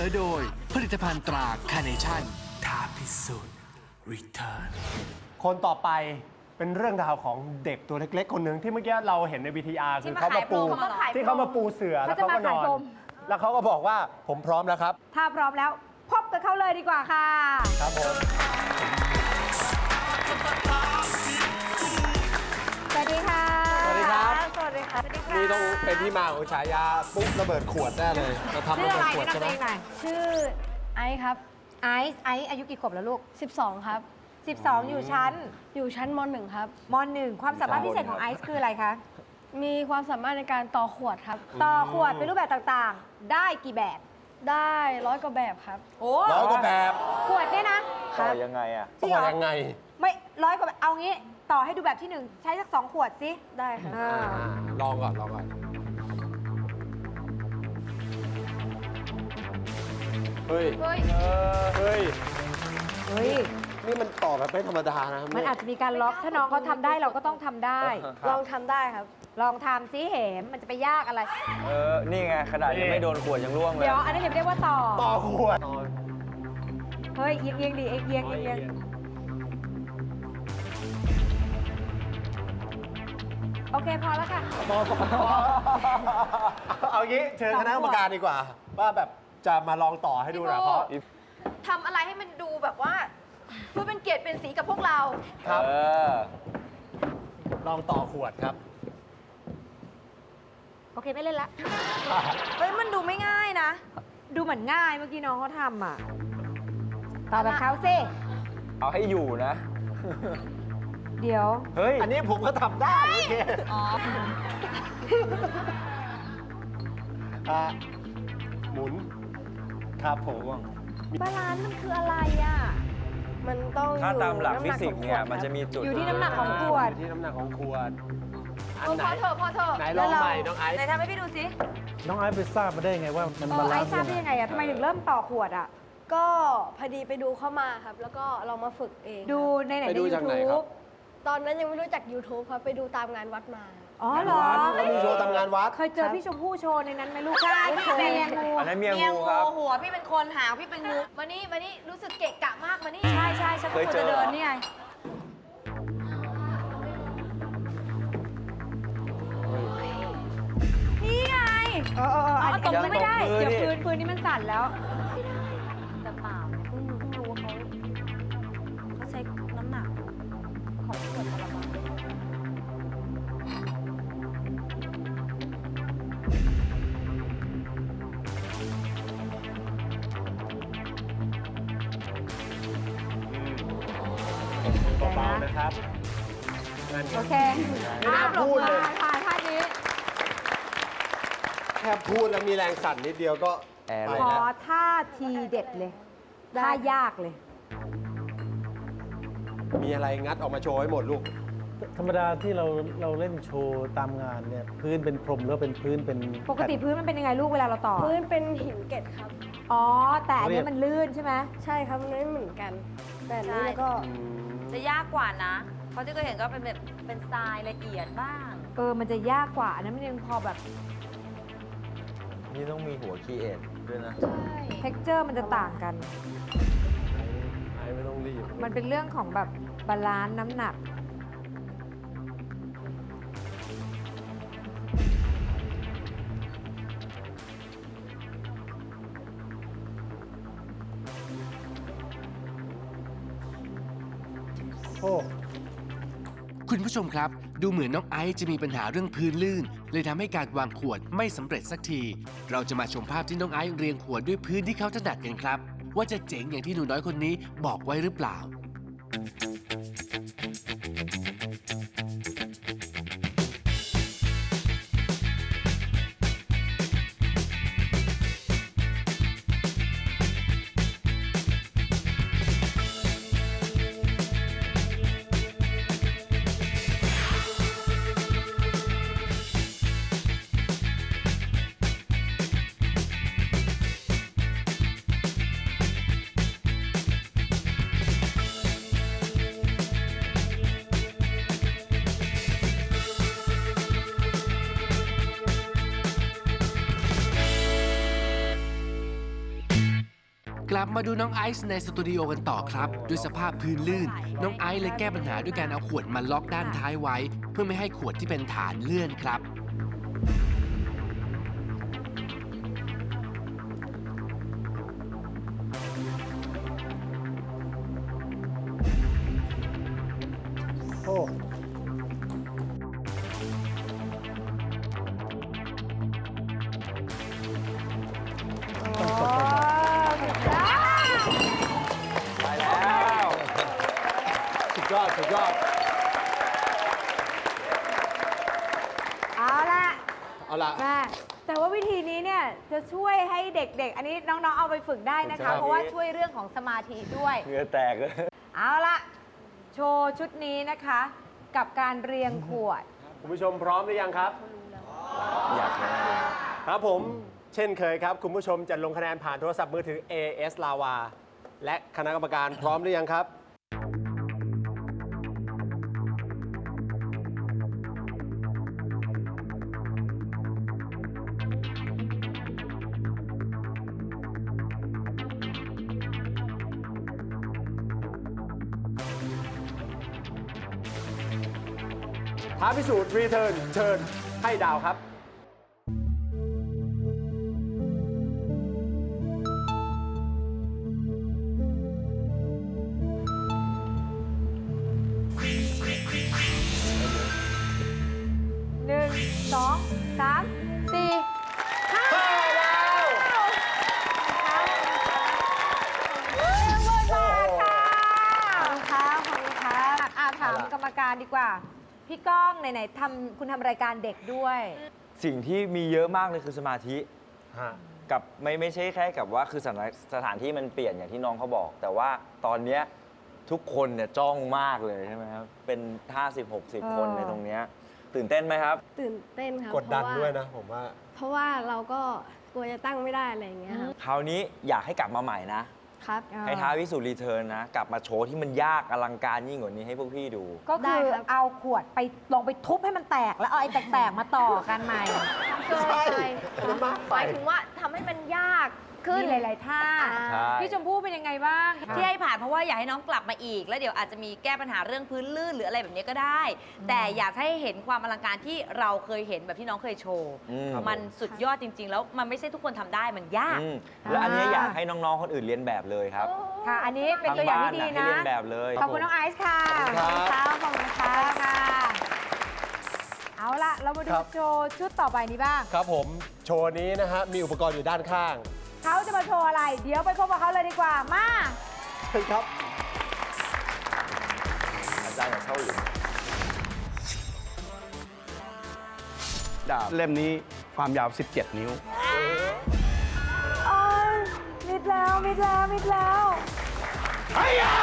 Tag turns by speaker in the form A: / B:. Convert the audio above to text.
A: อโดยผลิตภัณฑ์ตราคาร์เนชั่นท้าพิสูจน์รีเทิร์น
B: คนต่อไปเป็นเรื่องราวของเด็กตัวเล็กๆคนหนึ่งที่เมื่อกี้เราเห็นใน VTR คือเขามาปูที่เขามาปูเสือแล้วเขาก็นอนแล้วเขาก็บอกว่าผมพร้อมแล้วครับ
C: ถ้าพร้อมแล้วพบกับเขาเลยดีกว่าค่ะ
B: ครับผม
C: สวัสดีค่ะ
B: สวัสดีครับ
C: สวัสดีค่ะ
B: นี่ต้องเป็นที่มาของฉายาปุ๊บระเบิดขวดแน่เลยเราทำระเบิดขวดใช่ไหม
D: ชื่อไอซ์ครับ
C: ไอซ์อายุกี่ขวบแล้วลูก
D: 12ครับ
C: 12อยู่ชั้น
D: ม.1 ครับ
C: ม.1 ความสามารถพิเศษของไอซ์คืออะไรคะ
D: มีความสามารถในการต่อขวดครับ
C: ต่อขวดเป็นรูปแบบต่างๆได้กี่แบบ
D: ได้100 กว่าแบบครับ
C: โอ้
B: 100 กว่าแบบ
C: ขวดเนี่ยนะ
B: ต่อยังไงอะต่อยังไง
C: ไม่100 กว่าแบบเอางี้ต่อให้ดูแบบที่1ใช้สัก2 ขวดสิ
D: ได้ค่ะ
B: ลองก่อนเฮ้ยนี่มันต่อแบบไม่ธรรมดานะ
C: มันอาจจะมีการล็อกถ้าน้องเขาทำได้เราก็ต้องทำได้
D: ลองทำได้ครับ
C: ลองทำซิเหมมันจะไปยากอะไร
E: นี่ไงขนาดยังไม่โดนขวดยังร่วงเลย
C: เดี๋ยวอันนี้เรียกว่าต่
B: อขวด
C: เฮ้ยเอียงดิเอียงโอเคพอแล้วค่ะ
B: เอางี้เชิญคณะกรรมการดีกว่าว่าแบบจะมาลองต่อให้ดูหน่อยเพราะ
F: ทำอะไรให้มันดูแบบว่าเพื่อเป็นเกียรติเป็นสีกับพวกเรา
B: ครับลองต่อขวดครับ
C: โอเคไม่เล่นละ
F: เฮ้ยมันดูไม่ง่ายนะ
C: ดูเหมือนง่ายเมื่อกี้น้องเขาทำอ่ะต่อแบบเขาสิ
E: เอาให้อยู่นะ
C: เดี๋ยว
B: เฮ้ยอันนี้ผมก็ทำได้โอเคหมุนครับผม
C: บาลานซ์มันคืออะไรอ่ะ
D: มันต้อง
E: ถ้าตามหลักฟิสิกส์เนี่ยมันจะมีจุด
C: อยู่ที่น้ำหนักของขวด
B: อยู่ที่น้ำหนักของขวด
F: พอเถอะ
B: ไหนลองใหม่น้องไอซ์
F: ไหนทำให้พี่ดูสิ
G: น้องไอซ์ไปทราบมาได้ไงว่ามันบาลานซ์
C: ไอซ์ทราบได้ยังไงอะทำไมถึงเริ่มต่อขวดอะ
D: ก็พอดีไปดูเข้ามาครับแล้วก็ลองมาฝึกเอง
C: ดูในไหนใน YouTube
D: ตอนนั้นยังไม่รู้จัก YouTube ครับไปดูตามงานวัดมา
C: อ๋อเหรอ
B: แล้วมีโชว์ทำงานวัด
C: เคยเจอพี่ชมพู่โชว์ในนั้นไหมลูกใช่
F: พี่เป็นเมียงู
E: อันนั้นเมียงูครับ
F: หัวพี่เป็นคนหางพี่เป็นงูมานี่รู้สึกเกะกะมากมานี่
C: ใช่ฉันควรจะเดินนี่ไงนี่ไงอันนี้ไม่ได้เดี๋ยวพื้นนี่มันสั่นแล้ว
F: แต่เปล่าเพิ่งรู้ว่าเขาใช้น้ำหนักของขวดพลัง
B: เบาๆนะครับ
C: โอเค
B: ไม่น่าพูดเลย
C: ผ่านท่านี้
B: แค่พูดแล้วมีแรงสั่นนิดเดียวก็
C: ขอท่าทีเด็ดเลยท่ายากเลย
B: มีอะไรงัดออกมาโชว์ให้หมดลูก
G: ธรรมดาที่เราเล่นโชว์ตามงานเนี่ยพื้นเป็นพรมแล้วเป็นพื้นเป็น
C: ปกติพื้นมันเป็นยังไงลูกเวลาเราต่อ
D: พื้นเป็นหินเกล็ดครับ
C: อ๋อแต่อันนี้มันลื่นใช่ไหม
D: ใช่ครับมันไม่เหมือนกันแต่นี้แล้วก็
F: จะยากกว่านะเพราะที่เคยเห็นก็เป็นแบบเป็นทรายละเอียดบ้าง
C: มันจะยากกว่าอันนั้นมันยังพอแบบ
E: นี่ต้องมีหัวคีเอทด้วยนะ
C: ใช่ texture มันจะต่างกัน
B: ไม่ต้องรีบ
C: มันเป็นเรื่องของแบบบาลานซ์น้ำหนัก
A: คุณผู้ชมครับดูเหมือนน้องไอซ์จะมีปัญหาเรื่องพื้นลื่นเลยทำให้การวางขวดไม่สำเร็จสักทีเราจะมาชมภาพที่น้องไอซ์เรียงขวดด้วยพื้นที่เขาถนัดกันครับว่าจะเจ๋งอย่างที่หนูน้อยคนนี้บอกไว้หรือเปล่ากลับมาดูน้องไอซ์ในสตูดิโอกันต่อครับ ด้วยสภาพพื้นลื่น น้องไอซ์เลยแก้ปัญหาด้วยการเอาขวดมาล็อกด้านท้ายไว้ เพื่อไม่ให้ขวดที่เป็นฐานเลื่อนครับ
B: โอ้
E: ไปแล้ว
B: สุดยอด สุดยอด
C: เอาละ
B: เอาละ
C: แม่แต่ว่าวิธีนี้เนี่ยจะช่วยให้เด็กๆ อันนี้น้องๆ เอาไปฝึกได้นะ
B: ครั
C: คะ
B: บ
C: เพราะว่าช่วยเรื่องของสมาธิด้วย
E: เหงื่อแตกเลย
C: เอาละโชว์ชุดนี้นะคะ กับการเรียงขวด
B: คุณผู้ชมพร้อมหรือยังครับ
E: อยากให้
B: ครับผม เช่นเคยครับ คุณผู้ชมจะลงคะแนนผ่านโทรศัพท์มือถือ AS Lava และคณะกรรมการพร้อมหรือยังครับ ท้าพิสูจน์รีเทิร์นเชิญให้ดาวครับ
C: 1 2 3 4 5
B: แล้ว
C: หมดเวลาค่ะขอบคุณค่ะถามกรรมการดีกว่า พี่ก้องไหนๆคุณทำรายการเด็กด้วย
E: สิ่งที่มีเยอะมากเลยคือสมาธิ
B: ฮะ
E: กับไม่ใช่แค่กับว่าคือสถานที่มันเปลี่ยนอย่างที่น้องเขาบอก แต่ว่าตอนเนี้ยทุกคนเนี่ยจ้องมากเลยใช่ไหมครับ เป็น 50-60 คนในตรงเนี้ยตื่นเต้นไหมครับ
D: ตื่นเต้นครับ
B: กดดัน
D: เพราะา
B: ด้วยนะผมว่า
D: เพราะว่าเราก็กลัวจะตั้งไม่ได้อะไรอย่างเงี้ยครับ
E: คราวนี้อยากให้กลับมาใหม่นะ
D: ครับ
E: ให้ท้าพิสูจน์รีเทิร์นนะ กลับมาโชว์ที่มันยากอลังการยิ่งกว่านี้ให้พวกพี่ดู
C: ก็
D: ได้
C: คือ
D: ครับ
C: เอาขวดไปลองไปทุบให้มันแตก แล้วเอาไอ้แตกๆมาต่อกันใหม่
B: ใช่อันนั้นมากไป
D: หมายถึงว่าทำให้มันยากขึ้น
C: มีหลายๆท่า
E: ใช่
C: พี่ชมพู่เป็นยังไงบ้าง
F: ที่ให้ผ่านเพราะว่าอยากให้น้องกลับมาอีก แล้วเดี๋ยวอาจจะมีแก้ปัญหาเรื่องพื้นลื่นหรืออะไรแบบนี้ก็ได้ แต่อยากให้เห็นความอลังการที่เราเคยเห็นแบบที่น้องเคยโชว์
E: อืม
F: มันสุดยอดจริง ๆ แล้วมันไม่ใช่ทุกคนทำได้มันยาก
E: อืมแล้วอันเนี้ยอยากให้น้องๆคนอื่นเรียนแบบเลยครับ
C: ค่ะ อันนี้เป็นตัวอย่างที่ดี
E: ทางบ้าให้
C: นะ
E: เรียนแบบเลย
C: ขอบคุณน้องไอซ์ค่ะ
B: ขอบคุณครับ
C: ขอบคุณค่ะเอาละเรามาดู
B: ครับ
C: โชว์ชุดต่อไปนี้บ้าง
B: ครับผม โชว์นี้นะฮะ มีอุปกรณ์อยู่ด้านข้าง
C: เขาจะมาโชว์อะไร เดี๋ยวไปพบกับเขาเลยดีกว่า มา
B: เชิญครับ
E: อาจารย์อยากเข้าหรือ
H: ดาบเล่มนี้ความยาว 17 นิ้ว
C: โอ้ยมิดแล้ว มิดแล้ว มิดแล้ว
B: ไอ้ยา